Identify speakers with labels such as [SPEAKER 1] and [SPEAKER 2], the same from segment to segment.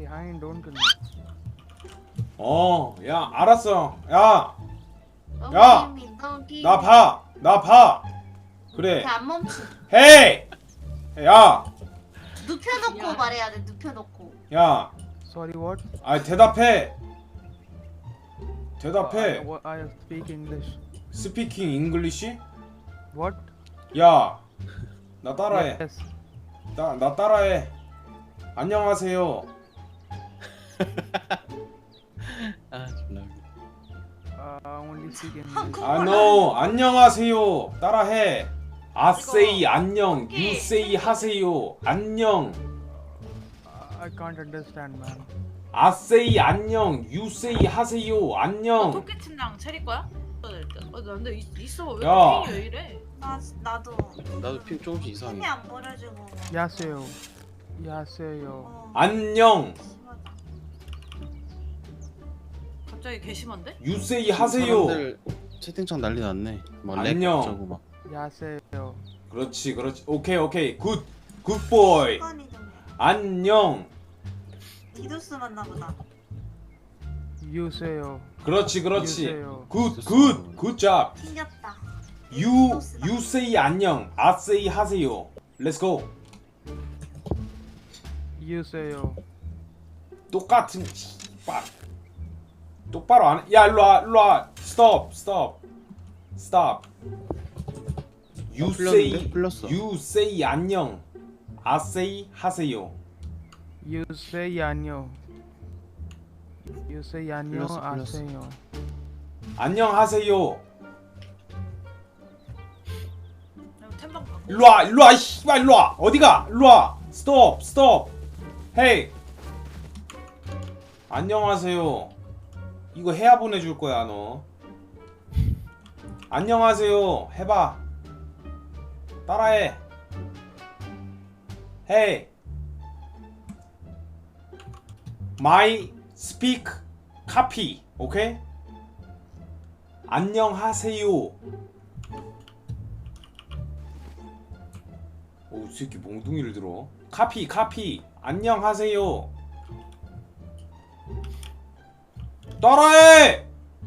[SPEAKER 1] behind, don't kill me.
[SPEAKER 2] 야, 알았어. 야,
[SPEAKER 3] 너무
[SPEAKER 2] 야!
[SPEAKER 3] 재미, 너무 기.
[SPEAKER 2] 나 봐. 나 봐. 그래.
[SPEAKER 3] 안 멈추.
[SPEAKER 2] 헤이! 야,
[SPEAKER 3] 눕혀놓고 말해야 돼. 눕혀놓고.
[SPEAKER 2] 야.
[SPEAKER 1] Sorry, what?
[SPEAKER 2] 아니, 대답해. 대답해.
[SPEAKER 1] I speak English.
[SPEAKER 2] 스피킹 잉글리시?
[SPEAKER 1] What?
[SPEAKER 2] 야, 나 따라해.
[SPEAKER 1] Yes.
[SPEAKER 2] 나 따라해. 안녕하세요.
[SPEAKER 4] 아 존나 웃겨.
[SPEAKER 1] Only speak English.
[SPEAKER 2] no. 안녕하세요. 따라해. 아세이 안녕. 유세이 하세요. 안녕.
[SPEAKER 1] I can't understand, man.
[SPEAKER 2] 아세이 안녕. 유세이 하세요. 안녕.
[SPEAKER 5] 토끼친랑 체리 거야? 나 근데 있어 왜
[SPEAKER 2] 야.
[SPEAKER 5] 핑이 왜 이래?
[SPEAKER 3] 나도.
[SPEAKER 4] 나도 핑 조금씩 이상해.
[SPEAKER 3] 힘이 안 버려지고.
[SPEAKER 1] 야세요. 야세요.
[SPEAKER 2] 안녕.
[SPEAKER 3] 심하다.
[SPEAKER 5] 갑자기 개심한데?
[SPEAKER 2] 유세이 하세요.
[SPEAKER 4] 사람들 채팅창 난리 났네. 막
[SPEAKER 2] 안녕.
[SPEAKER 4] 렉 저거 막.
[SPEAKER 1] 야세요.
[SPEAKER 2] 그렇지. 오케이. 굿보이.
[SPEAKER 3] 습관이 좀 해.
[SPEAKER 2] 안녕.
[SPEAKER 3] 디도스 맞나 보다.
[SPEAKER 1] 유세요.
[SPEAKER 2] 그렇지.
[SPEAKER 1] 유세요.
[SPEAKER 2] 굿잡.
[SPEAKER 3] 튕겼다.
[SPEAKER 2] 유세이 안녕. 아세이 하세요. Let's go.
[SPEAKER 1] 유세요.
[SPEAKER 2] 똑같은 씨발. 똑바로 안 해. 야, 일로 와. Stop.
[SPEAKER 4] 풀렸는데? 풀렸어.
[SPEAKER 2] You say 안녕. I say 하세요.
[SPEAKER 1] You say 안녕. You say 안녕.
[SPEAKER 4] 풀렸어.
[SPEAKER 1] 아세요.
[SPEAKER 2] 안녕하세요.
[SPEAKER 5] 템방 바꿔.
[SPEAKER 2] 일로 와. 씨발 일로 와. 어디가? 일로 와. Stop. Hey. 안녕하세요. 이거 해야 보내줄 거야 너. 안녕하세요. 해봐. 따라해. Hey. My speak copy. 오케이? 안녕하세요. 오, 이 새끼 몽둥이를 들어. 카피. 안녕하세요. 따라해.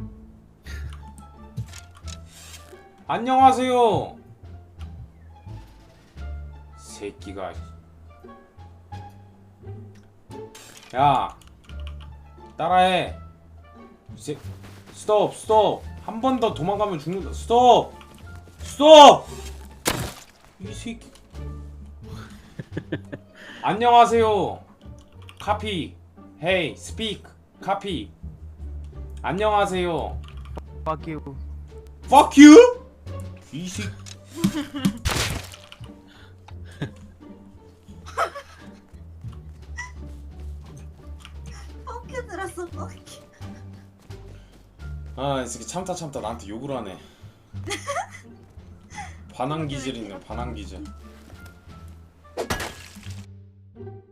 [SPEAKER 2] 안녕하세요. 새끼가. 야, 따라해. 스톱. 한 번 더 도망가면 죽는다. 스톱. 이 새끼. 안녕하세요. 카피. Hey, speak. 카피. 안녕하세요.
[SPEAKER 1] Fuck you.
[SPEAKER 2] Fuck you. 이 새끼.
[SPEAKER 3] 뻑큐 들었어, 뻑큐.
[SPEAKER 2] 아, 이 새끼 참다 나한테 욕을 하네. 반항 기질 있네. 반항 기질.